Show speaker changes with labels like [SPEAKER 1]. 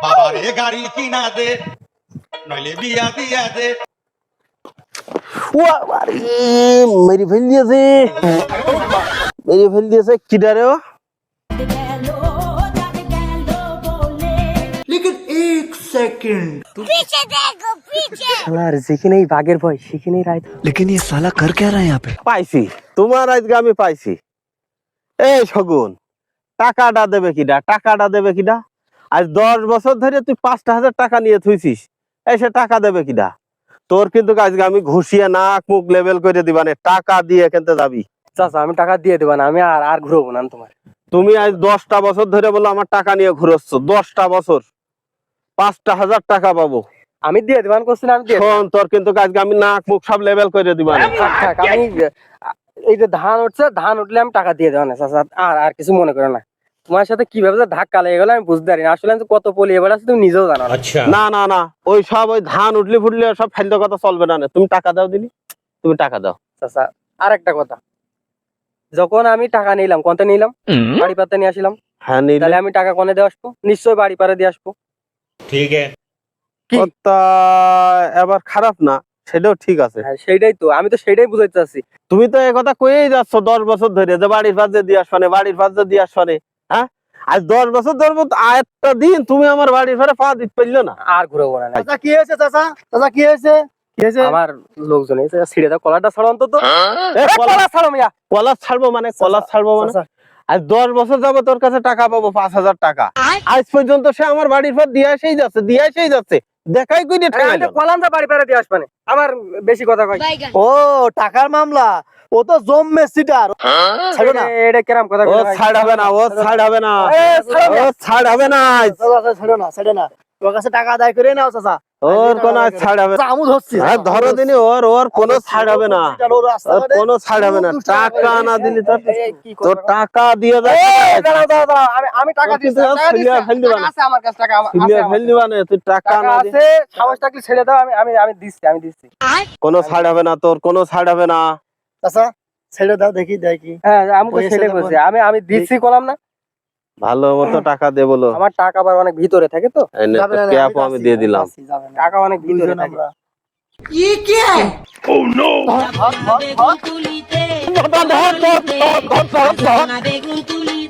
[SPEAKER 1] বাবারে গাড়ি কিনা দে নইলে বিয়া দিয়া দে।
[SPEAKER 2] মেরে ফেল দিয়েছে কিডা রে যেখানেই বাঘের ভয় সেখানেই রায়।
[SPEAKER 3] लेकिन ये साला कर क्या रहा है यहाँ पे?
[SPEAKER 2] পাইছি তোমার আজকে আমি পাইছি। এই শগুন, টাকাটা দেবে কিডা? আজ 10 বছর ধরে তুই 5,000 টাকা নিয়ে থুইছিস, এসে টাকা দেবে কিডা? তোর কিন্তু আজকে আমি ঘুষিয়ে নাক মুখ লেভেল করে দিবানে, টাকা দিয়ে কিনতে যাবি।
[SPEAKER 4] চাচা আমি টাকা দিয়ে দেবো না, আমি আর ঘুরবো না তোমার।
[SPEAKER 2] তুমি আজ 10টা বছর ধরে বলো আমার টাকা নিয়ে ঘুরোচ্ছ, 10টা বছর 5,000 টাকা পাবো।
[SPEAKER 4] আমি দিয়ে দেবান করছি না, আমি দিয়ে
[SPEAKER 2] শোন, তোর কিন্তু আজকে আমি নাক মুখ সব লেভেল করে দিবানে।
[SPEAKER 4] থাক, আমি এই যে ধান উঠছে, ধান উঠলে আমি টাকা দিয়ে দেবো না চাচা। আর কিছু মনে করো না। তোমার সাথে কিভাবে যে ধাক্কা লেগে গেলো আমি বুঝতে পারি না। আসলে আমি কত পলি এবার আছে তুমি নিজেও জানো না।
[SPEAKER 2] না ওই সব ওই ধান উঠলে ফুটলে সব ফালতু কথা চলবে না। তুমি টাকা দাও দিলি, তুমি টাকা দাও।
[SPEAKER 4] চাচা আর একটা কথা, যখন আমি টাকা নিলাম কোনটা নিলাম, বাড়ি পাতে নিয়ে আসলাম,
[SPEAKER 2] হ্যাঁ
[SPEAKER 4] তাহলে আমি টাকা কোনে দিয়ে আসবো? নিশ্চয়ই বাড়ি পারে দিয়ে আসবো।
[SPEAKER 1] ঠিক আছে,
[SPEAKER 2] কথা এবার খারাপ না, সেটাও ঠিক আছে।
[SPEAKER 4] হ্যাঁ সেইটাই তো, আমি তো সেইটাই বুঝাইতে চাচ্ছি।
[SPEAKER 2] তুমি তো এই কথা কয়েই যাচ্ছ 10 বছর ধরে যে বাড়ির পাশে দিয়ে আসবানে, হ্যাঁ? আজ 10 বছর ধরে একটা দিন তুমি আমার বাড়ির ঘরে পা দিতে পারলো না।
[SPEAKER 4] আর ঘুরবো না।
[SPEAKER 5] চাচা কি হয়েছে? চাচা কি হয়েছে?
[SPEAKER 4] আমার লোকজন এসে ছিঁড়ে দাও, কলারটা ছাড়ো অন্তত।
[SPEAKER 2] কলা
[SPEAKER 4] ছাড়ো মিয়া।
[SPEAKER 2] কলা ছাড়বো মানে আজ 10 বছর যাবো তোর কাছে টাকা পাবো 5,000 টাকা। আজ পর্যন্ত সে আমার বাড়ির পর দিয়ে আসেই যাচ্ছে দেখাই কই
[SPEAKER 4] কলামটা বাড়ি পারে দিয়ে আসবানে, আমার বেশি কথা কয়।
[SPEAKER 5] ও টাকার মামলা, ও তো জম্মে সিটার। ছাড়ো না,
[SPEAKER 4] এটা কেরাম কথা
[SPEAKER 2] ও ছাড় হবে না,
[SPEAKER 5] ছাড়ো না। তোর কাছে টাকা আদায় করে নাও চাচা।
[SPEAKER 2] ওর কোনো ছাড় হবে না।
[SPEAKER 5] আমু ধরছি।
[SPEAKER 2] ধরো দিনি, ওর কোনো ছাড় হবে না, কোনো ছাড় হবে না। টাকা না দিলি তোর টাকা দিয়ে
[SPEAKER 4] আমি টাকা দিচ্ছি, আমার কাছে টাকা
[SPEAKER 2] ফেল দিবা না। তুই টাকা না
[SPEAKER 4] আছে, সাহস থাকলে ছেড়ে দাও। আমি দিচ্ছি।
[SPEAKER 2] কোনো ছাড় হবে না, তোর কোনো ছাড় হবে না।
[SPEAKER 5] চাচা ছেড়ে দাও, দেখি।
[SPEAKER 4] হ্যাঁ আমি তো ছেড়ে বলছি, আমি দিচ্ছি কলাম না।
[SPEAKER 2] ভালো মতো টাকা দে বলো।
[SPEAKER 4] আমার টাকা আবার অনেক ভিতরে থাকে তো,
[SPEAKER 2] আমি দিয়ে দিলাম।
[SPEAKER 4] টাকা অনেক ভিতরে থাকে।
[SPEAKER 6] ये क्या है? Oh no!
[SPEAKER 7] বেগুন তুলিতে